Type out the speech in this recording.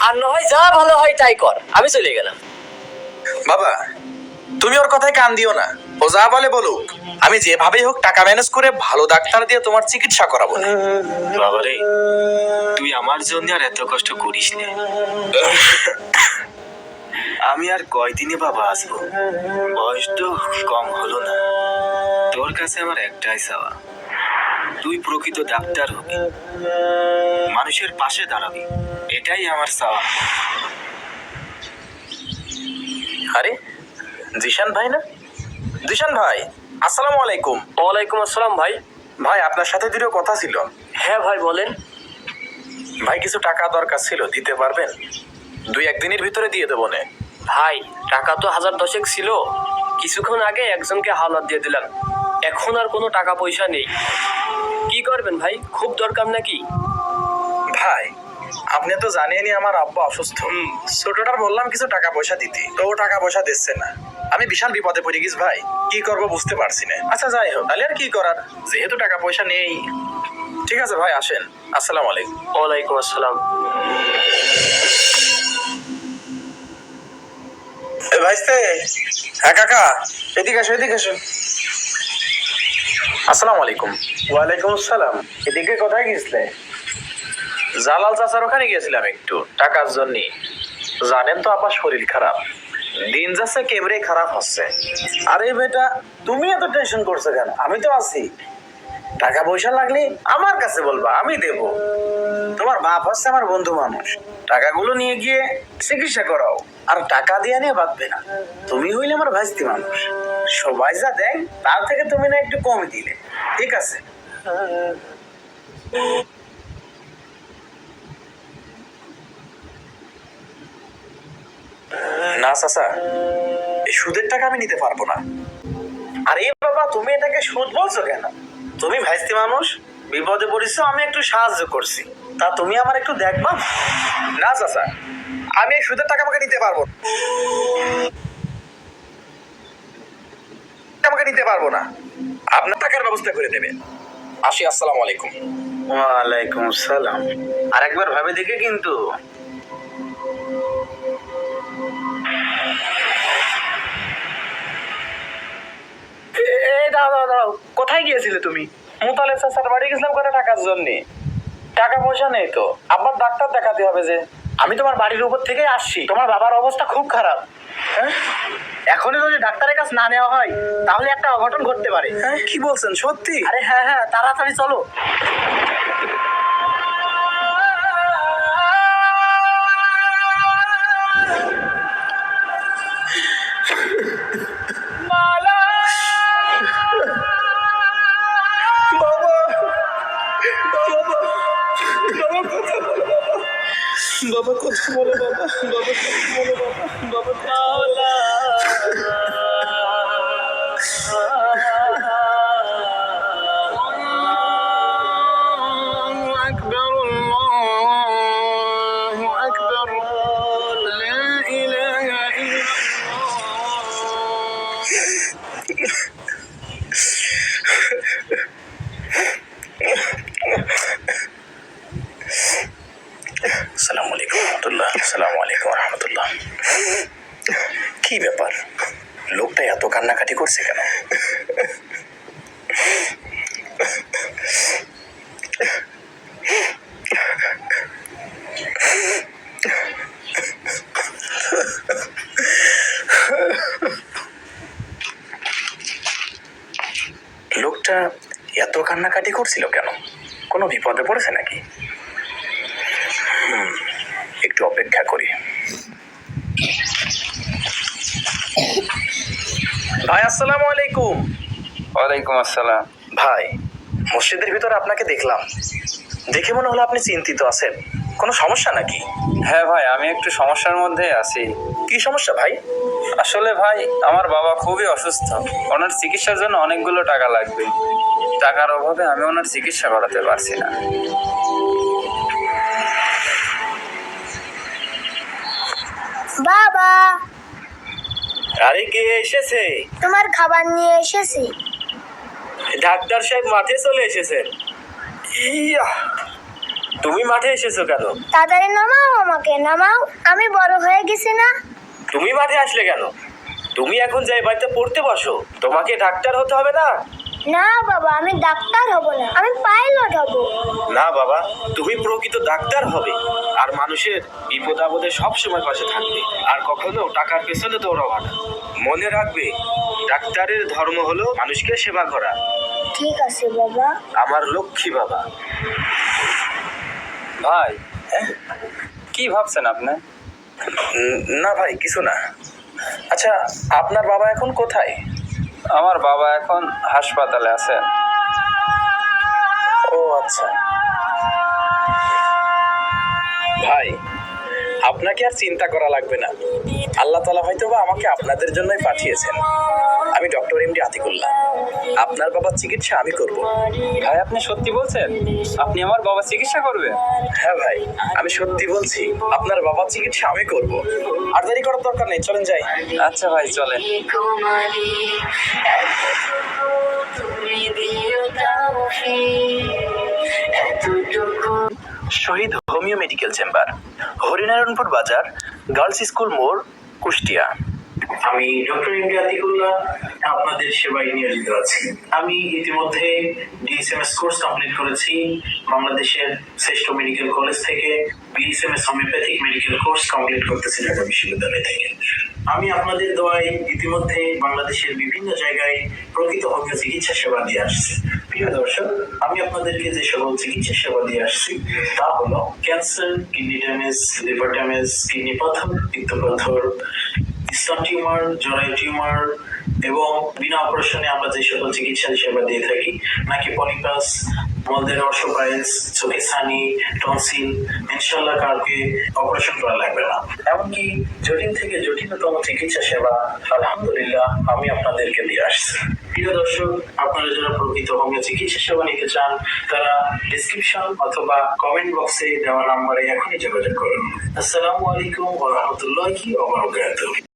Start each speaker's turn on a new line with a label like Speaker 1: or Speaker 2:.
Speaker 1: আর না হয় যা ভালো হয় তাই কর, আমি চলে গেলাম।
Speaker 2: বাবা তুমি ওর কথায় কান দিও না, ও যা বলে বলুক, আমি যেভাবেই হোক টাকা ম্যানেজ করে ভালো ডাক্তার দিয়ে তোমার চিকিৎসা করাবো।
Speaker 3: বাবারে, তুই আমার জন্য আর এত কষ্ট করিস না। আমি আর কয়দিনে বাবা আসবো, বয়স তো কম হলো না। তোর কাছে আমার একটাই চাওয়া, তুই প্রকৃত ডাক্তার হবি, মানুষের পাশে দাঁড়াবি, এটাই আমার চাওয়া।
Speaker 2: আরে জিশান ভাই না? জিশান ভাই আসসালামু আলাইকুম।
Speaker 1: ওয়ালাইকুম আসসালাম ভাই।
Speaker 2: ভাই আপনার সাথে দুটো কথা ছিল।
Speaker 1: হ্যাঁ ভাই বলেন।
Speaker 2: ভাই কিছু টাকা দরকার ছিল, দিতে পারবেন? 2-1 দিনের ভিতরে দিয়ে দেবো নে।
Speaker 1: ভাই টাকা তো 1000 ছিল, কিছুক্ষণ আগে একজনকে হাওলাত দিয়ে দিলাম, এখন আর কোনো টাকা পয়সা নেই। কি করবেন ভাই, খুব দরকার নাকি?
Speaker 2: ভাই আপনি তো জানেনই আমার আব্বা অসুস্থ। ছোটটার বললাম কিছু টাকা পয়সা দিতে, তো ও টাকা পয়সা দিচ্ছে না। আমি বিশাল বিপদে পড়ে গেছি ভাই, কি করব বুঝতে পারছি না। আচ্ছা যাই হোক, তাহলে আর কি করার, যেহেতু টাকা পয়সা নেই। ঠিক আছে ভাই আসেন, আসসালামু আলাইকুম।
Speaker 1: ওয়ালাইকুম আসসালাম।
Speaker 2: এ ভাইস্তে, হ্যাঁ কাকা, এদিকে আসো এদিকে আসো। আসসালামু আলাইকুম।
Speaker 4: ওয়ালাইকুম আসসালাম। এদিকে কোথায় গেছিলে?
Speaker 2: জালাল চাচার ওখানে গিয়েছিলাম একটু টাকার জন্য। জানেন তো আব্বা শরীর খারাপ, দিন যাচ্ছে কেমরে খারাপ হচ্ছে।
Speaker 4: আরে বেটা, তুমি এত টেনশন করছো কেন? আমি তো আছি। টাকা পয়সা লাগলে আমার কাছে বলবা, আমি দেব। তোমার বাপ হচ্ছে আমার বন্ধু মানুষ, টাকাগুলো নিয়ে গিয়ে চিকিৎসা করাও, আর টাকা দিয়ে নিয়ে বাঁধবে না। তুমি হইলে আমার ভাইস্তি মানুষ, সবাই যা দেয় তার থেকে তুমি না একটু কমই দিলে, ঠিক আছে?
Speaker 2: না চাচা, এই সুদের টাকা আমি নিতে পারবো না।
Speaker 4: আরে বাবা, তুমি এটাকে সুদ বলছো কেন? তুমি ভাইস্তি মানুষ, বিপদে পড়েছো, আমি একটু সাহায্য করছি, তা তুমি আমার একটু দেখবা?
Speaker 2: না চাচা, আমি এই সুদের টাকা আমাকে নিতে পারবো না। আমাকে নিতে পারবো না, আপনার টাকার ব্যবস্থা করে দেবেন। আসি, আসসালামু আলাইকুম।
Speaker 4: ওয়ালাইকুম আসসালাম। আর একবার ভাবে দেখে কিন্তু। দাঁড়াও, কোথায় গিয়েছিলে তুমি? মুতালে চাচার বাড়ি গেছিলাম করে টাকার জন্য। টাকা পয়সা নেই তো, আব্বার ডাক্তার দেখাতে হবে যে। আমি তোমার বাড়ির উপর থেকে আসছি, তোমার বাবার অবস্থা খুব খারাপ। হ্যাঁ, এখনই যদি ডাক্তারের কাছে না নেওয়া হয় তাহলে একটা অঘটন ঘটতে পারে।
Speaker 2: হ্যাঁ কি বলছেন, সত্যি?
Speaker 4: আরে হ্যাঁ হ্যাঁ, তাড়াতাড়ি চলো।
Speaker 2: বাবা কথা বলো, বাবা বাবা কথা বলো, বাবা বাবা। আসসালামু আলাইকুম রহমতুল্লাহ। আসসালামু আলাইকুম রহমতুল্লাহ। কি ব্যাপার, লোকটা এত কান্নাকাটি করছে কেন? লোকটা এত কান্নাকাটি করছিল কেন? কোনো বিপদে পড়েছে নাকি? একটু অপেক্ষা করি। ভাই আসসালামু আলাইকুম।
Speaker 3: ওয়ালাইকুম আসসালাম।
Speaker 2: ভাই মসজিদের ভিতরে আপনাকে দেখলাম, দেখে মনে হলো আপনি চিন্তিত আছেন। কোনো সমস্যা নাকি?
Speaker 3: হ্যাঁ ভাই, আমি একটু সমস্যার মধ্যে আছি।
Speaker 2: কি সমস্যা ভাই?
Speaker 3: আসলে ভাই, আমার বাবা খুবই অসুস্থ, ওনার চিকিৎসার জন্য অনেকগুলো টাকা লাগবে। টাকার অভাবে আমি ওনার চিকিৎসা করাতে পারছি না।
Speaker 5: বাবা,
Speaker 2: আরে কে এসেছে?
Speaker 5: তোমার খাবার নিয়ে এসেছি।
Speaker 2: ডাক্তার সাহেব মাঠে চলে এসেছেন। ইয়া,
Speaker 1: তুমি মাঠে এসেছো কেন?
Speaker 5: তাড়াতাড়ি নামাও, আমাকে নামাও, আমি বড় হয়ে গেছি না।
Speaker 1: তুমি মাঠে আসলে কেন? তুমি এখন যাই বাড়িতে পড়তে বসো, তোমাকে ডাক্তার হতে হবে না।
Speaker 5: না বাবা, আমি ডাক্তার হব না, আমি পাইলট হব।
Speaker 3: না বাবা, তুমি প্রকৃত ডাক্তার হবে আর মানুষের বিপদ আপদে সব সময় পাশে থাকবে আর কখনো টাকার পেছনে দৌড়াবা না। মনে রাখবে, ডাক্তারের ধর্ম হলো মানুষকে সেবা করা।
Speaker 5: ঠিক আছে বাবা।
Speaker 3: আমার লক্ষ্মী বাবা।
Speaker 1: ভাই, কি ভাবছেন আপনি?
Speaker 2: না ভাই, কিছু না। আচ্ছা, আপনার বাবা এখন কোথায়?
Speaker 1: আমার বাবা এখন হাসপাতালে আছে।
Speaker 2: ও আচ্ছা ভাই, আপনাকে আর চিন্তা করা লাগবে না। আল্লাহ তাআলা হয়তোবা আমাকে আপনাদের জন্যই পাঠিয়েছেন। আমি ডক্টর এমডি আতিকুল্লাহ। আপনার বাবার চিকিৎসা আমি করব।
Speaker 1: ভাই, আপনি সত্যি বলছেন? আপনি আমার বাবার চিকিৎসা করবেন?
Speaker 2: হ্যাঁ ভাই, আমি সত্যি বলছি, আপনার বাবার চিকিৎসা আমি করব। আর দেরি করার দরকার নেই, চলেন যাই।
Speaker 1: আচ্ছা ভাই, চলেন।
Speaker 2: শহীদ হোমিও মেডিকেল চেম্বার, হরিনারায়ণপুর বাজার, গার্লস স্কুল মোড়, কুষ্টিয়া।
Speaker 6: আমি ডক্টর এমডি আতিকুল্লাহ আপনাদের সেবায় নিয়োজিত আছি। আমি ইতিমধ্যে ডিএসএমএস কোর্স কমপ্লিট করেছি বাংলাদেশের শ্রেষ্ঠ মেডিকেল কলেজ থেকে। BSMS homoeopathic medical course complete করতেছি ঢাকা বিশ্ববিদ্যালয় থেকে। আমি আপনাদের দোয়ায় ইতিমধ্যে বাংলাদেশের বিভিন্ন জায়গায় প্রকৃত হোমিও চিকিৎসা সেবা দিয়ে আসছি। প্রিয় দর্শক, আমি আপনাদেরকে যে সকল চিকিৎসা সেবা দিয়ে আসছি তা হলো cancer, kidney damage, liver damage, kidney পাথর, পিত্তপাথর, স্তন টিউমার, জরায়ু টিউমার এবং বিনা অপারেশনে আমরা যে সকল চিকিৎসা সেবা দিয়ে থাকি, নাকি পলিপাস, মলদের অর্শোপাইলস, চোখে ছানি, টনসিল, ইনশাল্লাহ কাউকে অপারেশন করা লাগবে না। এমনকি জটিল থেকে জটিলতম চিকিৎসা সেবা আলহামদুলিল্লাহ আমি আপনাদেরকে দিয়ে আসছি। প্রিয় দর্শক, আপনারা যারা প্রকৃত হোমিও চিকিৎসা সেবা নিতে চান তারা ডিসক্রিপশন অথবা কমেন্ট বক্সে দেওয়া নাম্বারে এখনই যোগাযোগ করুন। আসসালামু আলাইকুম ওয়া রাহমাতুল্লাহি ওয়া বারাকাতুহু।